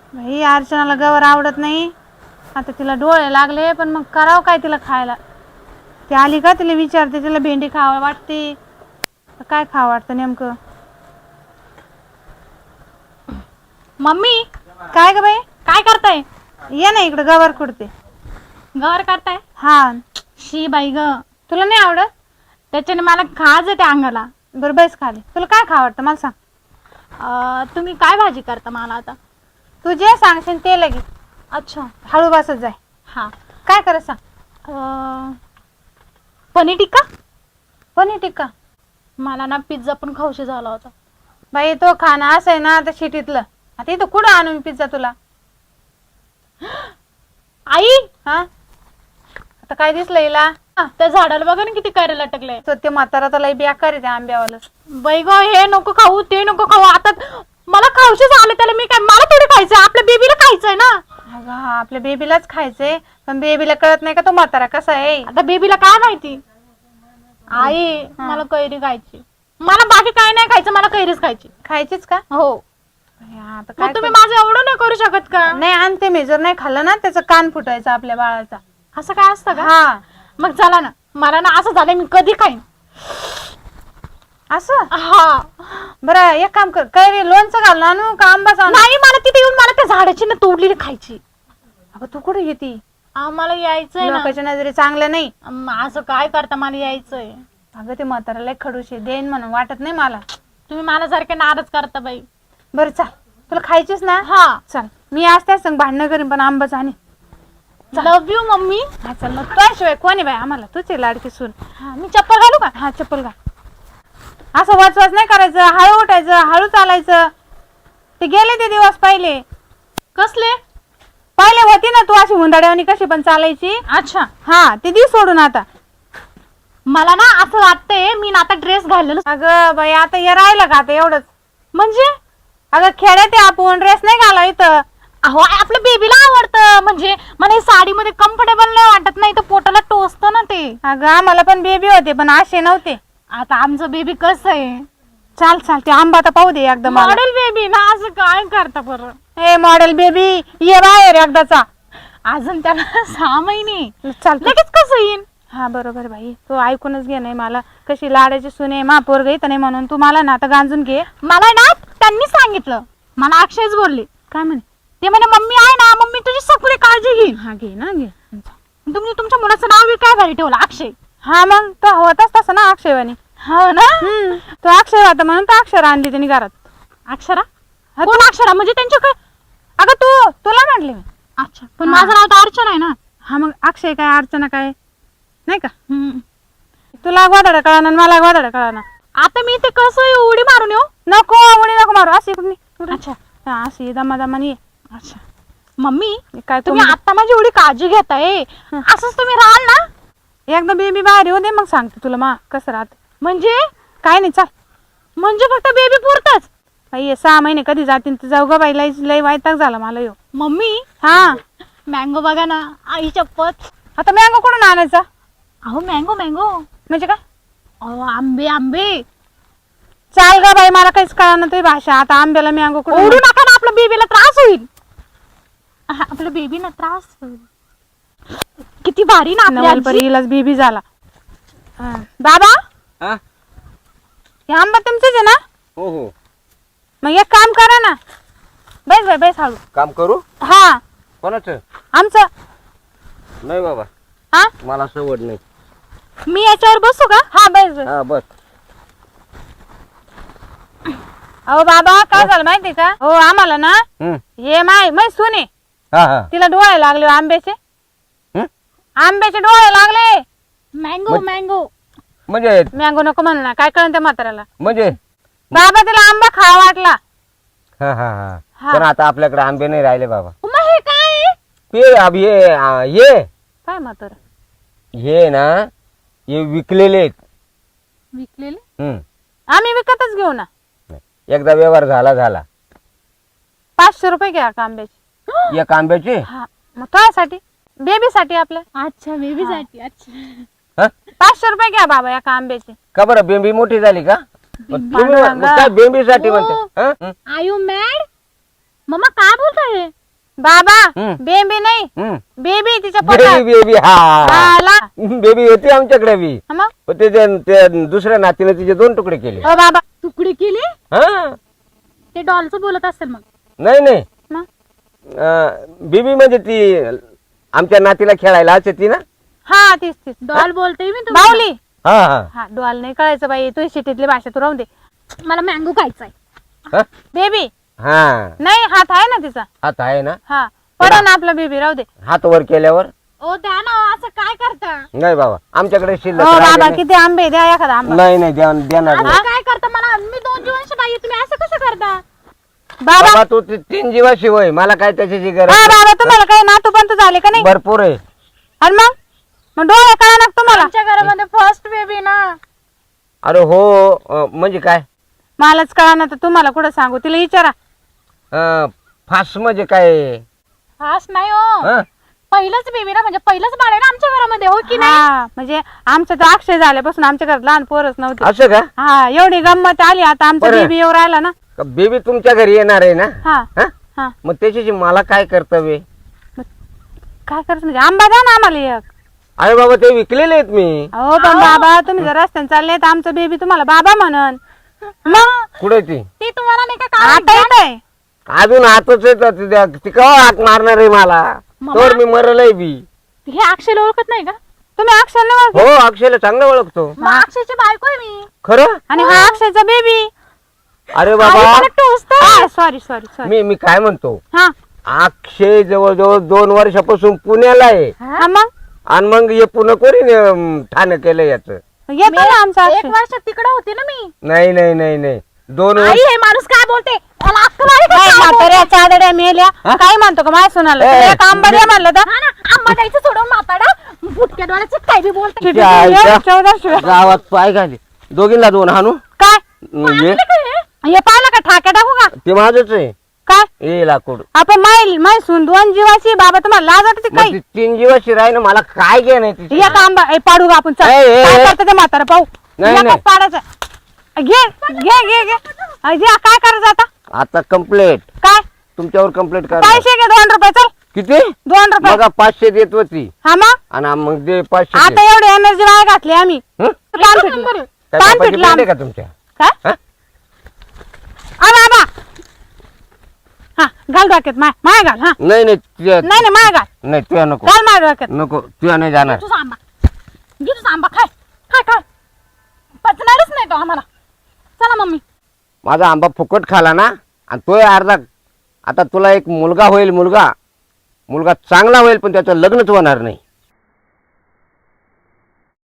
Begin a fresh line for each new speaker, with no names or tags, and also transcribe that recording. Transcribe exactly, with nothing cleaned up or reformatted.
भाई अर्चनाला गवर आवडत नाही. आता तिला डोळे लागले पण मग करावं काय तिला खायला. ती आली का तिला विचारते तिला भेंडी खावा वाटते काय खावं वाटतं नेमकं.
मम्मी
काय ग बाई
काय करताय?
ये ना इकडे गवर खुडते.
गवर करताय?
हा.
शी बाई ग,
तुला नाही आवडत?
त्याच्याने मला खाज येते अंगाला.
बरं बैस खाली. तुला काय खावं वाटतं मला सांग.
अं, तुम्ही काय भाजी करता मला आता?
तू जे सांगशील ते लगे.
अच्छा
हळू बसत जाय.
हा.
काय करत सांग.
अं, पनीर टिक्का.
पनीर टिक्का.
मला ना पिझ्झा पण खाऊशी झाला होता.
बाई तो खाणं असं आहे ना आता शिटीतलं. आता इथं कुठं आणू मी पिझ्झा तुला.
आई
हा आता काय दिसलं हिला.
त्या झाडाला बघा ना किती काय लटकले.
तो ते म्हातारा तर लई बेकार आहे त्या आंब्यावाला.
बाई ग, हे नको खाऊ ते नको खाऊ. आता मला खाऊशी झालं त्याला मी काय, मला थोडी खायचंय, आपल्या बेबीला खायचंय ना.
अगं हा आपल्या बेबीलाच खायचंय पण बेबीला कळत नाही का तो म्हातारा कसा आहे.
आता बेबीला काय माहिती. आई मला कैरी खायची. मला बाकी काय नाही खायचं, मला कैरीच खायची.
खायचीच का.
हो.
आता
मग
काय
तुम्ही माझं एवढं नाही करू शकत का?
नाही आणते मी. जर नाही खाल्लं ना त्याचं कान फुटायचं आपल्या बाळाचा.
असं काय असतं का?
हा
मग चला ना, मला ना असं झालंय मी कधी खाईन
असं.
हा.
बरं एक काम कर, कैरी लोणचं घालून आणू का आंबाच आणू.
नाही, मला तिथे येऊन मला त्या झाडाची ना तोडलेली खायची.
अगं तू कुठे येते.
आम्हाला यायचंय ना.
लोकांच्या नजरे चांगलं नाही.
अम, असं काय करता, मला यायचंय.
अगं ते म्हाताराला खडूशे देईन म्हणून वाटत नाही मला.
तुम्ही मला सारखे नाराज करता बाई.
बरं चाल, तुला खायचीच ना.
हा.
चल मी आज त्याच संग भांडणं करीन पण आंबाच आणि.
Love you mummy.
हा चल मग तुझ्याशिवाय कोणी बाई आम्हाला. तुझी लाडकी सून.
हा, मी चप्पल घालू का?
हा चप्पल घाल. असं वाचवाच नाही करायचं, हळू उठायचं, हळू चालायचं. ते गेले ते दिवस पहिले.
कसले?
पहिले होती ना तू अशी हुंदाड्यावानी कशी पण चालायची.
अच्छा.
हा ते दिवस सोडून आता.
मला ना असं वाटतंय मी ना आता ड्रेस घाललेलो.
अगं बाई आता हे राहिलं का आता एवढंच.
म्हणजे
अगं खेड्यात आहे आपण, ड्रेस नाही घालाव इथं.
अहो आपल्या बेबीला आवडतं. म्हणजे मला हे साडीमध्ये कम्फर्टेबल नाही वाटत, नाही तर पोटाला टोचतं ना ते.
अगं आम्हाला पण बेबी होते पण असे नव्हते.
आता आमचं बेबी कसं आहे.
चाल चाल ते आंबा तर पाहू दे एकदा मला.
मॉडेल बेबी ना, असं काय करता बरं.
हे मॉडेल बेबी ये बाहेर एकदाचा.
अजून त्याला सहा महिने.
चाल
लगेच कसं येईन.
हा बरोबर भाई, तू ऐकूनच घे. नाही मला कशी लाडाची सुने मा पोरग इथं नाही म्हणून तू मला ना आता गांजून घे.
मला ना त्यांनी सांगितलं, मला अक्षयच बोलले.
काय म्हणे
ते म्हणे मम्मी आहे ना, मम्मी तुझी सगळी काळजी घेईन.
हा घे ना घे.
तुम्ही तुमच्या मुलाचं नाव बी काय भारी ठेवलं, अक्षय.
हा मग तो होताच तसं ना अक्षयवाणी.
हो ना.
हम्म तो अक्षय होता म्हणून तो अक्षर आणली त्यांनी घरात.
अक्षरा.
हा,
कोण अक्षरा म्हणजे त्यांच्याकडे.
अगं तू तुला म्हटले मी.
अच्छा, पण
हा.
माझं नाव तर अर्चना आहे ना.
हा मग अक्षय काय अर्चना काय नाही का.
हम्म.
तुला गोदाडा कळाना मला गोदाडा कळाना.
आता मी ते कसं उडी मारून येऊ.
नको उडी नको मारू. अशी कुठली.
अच्छा.
हा अशी दमा दमानी.
अच्छा. मम्मी
काय
तुम्ही आता माझी एवढी काळजी घेताय, असंच तुम्ही राहाल ना.
एकदा बेबी बाहेर येऊ दे मग सांगते तुला मा कसं राहत.
म्हणजे
काय नाही चाल.
म्हणजे फक्त बेबी पुरतच.
बाई सहा महिने कधी जातील तर जाऊ ग बाई. लई लई वैताग झाला मला यो.
मम्मी
हा
मँगो बघा ना, आई चप्पत.
आता मँगो कुठून आणायचा.
अहो मँगो मँगो
म्हणजे काय.
अहो आंबे आंबे.
चाल ग बाई मला काहीच कळणार तुझी भाषा. आता आंब्याला मँगो कुठून.
ओढू नका ना, आपल्या बेबीला त्रास होईल. हा, आपल्या बेबीला त्रास होईल. किती भारी ना आपली आजी.
परीलाच बेबी झाला. हा. बाबा
हा?
हे आंबा तुमचंच आहे ना.
हो हो.
मग एक काम करा ना. बैस बाई बैस हळू.
काम करू.
हा
कोणाचं.
आमचं.
नाही बाबा,
हा
मला सवड नाही.
मी याच्यावर बसू का.
हा बैस बैस.
हा बस.
अहो बाबा काय झालं माहिती का. हो आम्हाला ना
हम्म.
हे माय मै सुने
हा हा.
तिला डोळे लागले हो आंब्याचे.
हम्म?
आंब्याचे डोळे लागले.
Mango mango.
म्हणजे
मँगो नको म्हणू ना. काय कळण त्या म्हाताऱ्याला.
म्हणजे
बाबा तिला आंबा खावा वाटला.
हा हा हा.
हा.
पण आता आपल्याकडे आंबे नाही राहिले बाबा.
मग हे काय.
ते अब हे आ, ये
काय म्हातार
हे ना हे विकलेले आहेत.
विकलेले.
हम्म.
आम्ही विकतच घेऊ ना.
एकदा व्यवहार झाला झाला.
पाचशे रुपये घ्या का आंब्याचे.
एक आंब्याचे.
हा मग तुझ्यासाठी बेबीसाठी आपल्या.
अच्छा बेबीसाठी. अच्छा.
हा?
पाचशे रुपये घ्या बाबा एका आंब्याचे.
का बरं बेंबी मोठी झाली का. मग तुम्ही
पांडुरंगा.
मग काय बेंबीसाठी
हो.
म्हणते. हा? हं?
R you mad. मम्मा काय बोलताय.
बाबा
हम्म.
बेबी नाही
हम्म.
बेबी तिच्या
बेबी
पोटात
बेबी हा
हा, ला.
बेबी होती आमच्याकडे बी
हा मग
पण त्याच्या त्या दुसऱ्या नातीने तिचे दोन तुकडे केले
ओ बाबा
तुकडे केले
हा
ते डॉलचं बोलत असेल मग.
नाही नाही
मग
अं, बेबी म्हणजे ती आमच्या नातीला खेळायला असते ती ना
हा तीच तीच
डॉल बोलते मी तुम्हाला.
बावली
हा हा
हा डोल नाही कळायचं बाई तू शिटीतली भाषा तू राहून दे.
मला मँगो खायचाय.
हा?
बेबी
हा
नाही हात आहे ना तिचा
हात आहे ना
हा पडा ना आपला बेबी राहू दे.
हात वर केल्यावर
ओ द्या ना असं काय करता.
नाही बाबा आमच्याकडे शिल्लक
हो
राहिले
बाबा
नाही.
किती आंबे द्या एखादा आंबा.
नाही नाही द्या- देणार नाही
असं काय करता मला मी दोन जीवनशी बाई आहे, तुम्ही असं कसं करता.
बाबा
बाबा तू ती- तीन जीवाशी होय मला काय त्याची गरज
हा
नाही.
बाबा तुम्हाला काही नातू पंतू झाले का नाही
भरपूर आहे
आणि मग मग डोळे कळा ना तुम्हाला
आमच्या घरामध्ये फर्स्ट बेबी ना.
अरे हो अं, म्हणजे काय
मलाच कळा ना तर तुम्हाला कुठं सांगू तिला विचारा.
अं, फास म्हणजे काय
फास्ट नाही हो.
हं?
पहिलंच बेबी ना म्हणजे पहिलंच बाळ आहे ना आमच्या घरामध्ये हो की नाही.
हा म्हणजे आमचं तर अक्षय झाल्यापासून आमच्या घरात लहान पोरच नव्हते.
असं का
हा एवढी गंमत आली आता आमचा
बरं.
बेबी येऊ राहिला ना.
बेबी तुमच्या घरी येणार आहे ना
हा
हं?
हा
मग त्याच्याशी मला काय कर्तव्य आहे?
काय करायचं म्हणजे आंबा द्या ना आम्हाला एक.
अरे बाबा ते विकलेले आहेत मी
अहो पण बाबा तुम्ही जर रस्त्याने चालले तर आमचं बेबी तुम्हाला बाबा म्हणन मग
कुठे ती
ती तुम्हाला नाही का
आता
काय
येत आहे
अजून आतच येतात ती त्या- ती केव्हा हाक मारणार आहे मला
मम्मा.
तर मी मरलय बी
हे अक्षयला ओळखत नाही का.
तुम्ही अक्षय नाही ओळखत?
हो अक्षयला चांगलं ओळखतो
मग अक्षयची बायको आहे मी.
खरं
आणि हा अक्षयचा बेबी.
अरे बाबा
सॉरी सॉरी सॉरी
मी मी काय म्हणतो
हा
अक्षय जवळजवळ दोन वर्षापासून पुण्याला आहे
हा मग
आणि मग हे पुन्हा कोणी अं, ठाणं केलं याच
येतो ना आमचा
एक
अक्षय.
वर्ष तिकडे होती ना मी.
नाही नाही नाही नाही दोन
आई
वर्ष
हे माणूस काय बोलते मला अक्कल आहे का
काय
काय बोलते?
म्हाताऱ्या चादड्या मेल्या काय म्हणतो का माझ्या सुनाला
ए,
तुला एक आंबा द्या म्हणलं तर
हा ना आंबा द्यायचं सोडून माताडा फुटक्या डोळ्याचं काय बी बोलते.
किती
त्या
दिवस?
आईच्या
चौदा शिवाय.
गावात पाय घाले दोघींना दोन हाणू
काय
ये
हे पाहिलं का ठाक्या टाकू का
ते माझच आहे
काय
ये लाकूड
आपण माईल माय सून दोन जीवाची बाबा तुम्हाला लाज वाटते
मग
काही
ती तीन जीवाशी राही ना मला काय घे नाही तिची
एक आंबा ए, पाडू का आपण चल.
ए, ए,
काय
ए.
करतं ते म्हातारा पाहू
नाही,
एकच
नाही.
पाडायचं घे घे घे घे अ, घे, काय करायचं आता
आता कम्प्लेट
काय
तुमच्यावर कम्प्लेट कर
पैसे घे दोन रुपये चल
किती
दोन रुपये
बघा पाचशे देत होती
हा मग
आणि मग दे पाचशे दे.
आता एवढी एनर्जी वाया घातली आम्ही
हं?
ताण पिटलं
काय
ताण
बापाची
पिटलं
पेंड आहे
आम्ही.
का तुमच्या
काय
हं?
आ बाबा हा घाल डोक्यात माय माय घाल हा
नाही नाही तुझ्या-
नाही नाही माय घाल
नाही तुझ्या नको
घाल माय डोक्यात
नको तुझ्या नाही जाणार
तुझा आंबा घे तुझा आंबा खाय खाय खाय पचणारच नाही तो आम्हाला. चला मम्मी.
माझा आंबा फुकट खाला ना आणि तो अर्धा आता तुला एक मुलगा होईल मुलगा मुलगा चांगला होईल पण त्याचं लग्नच होणार नाही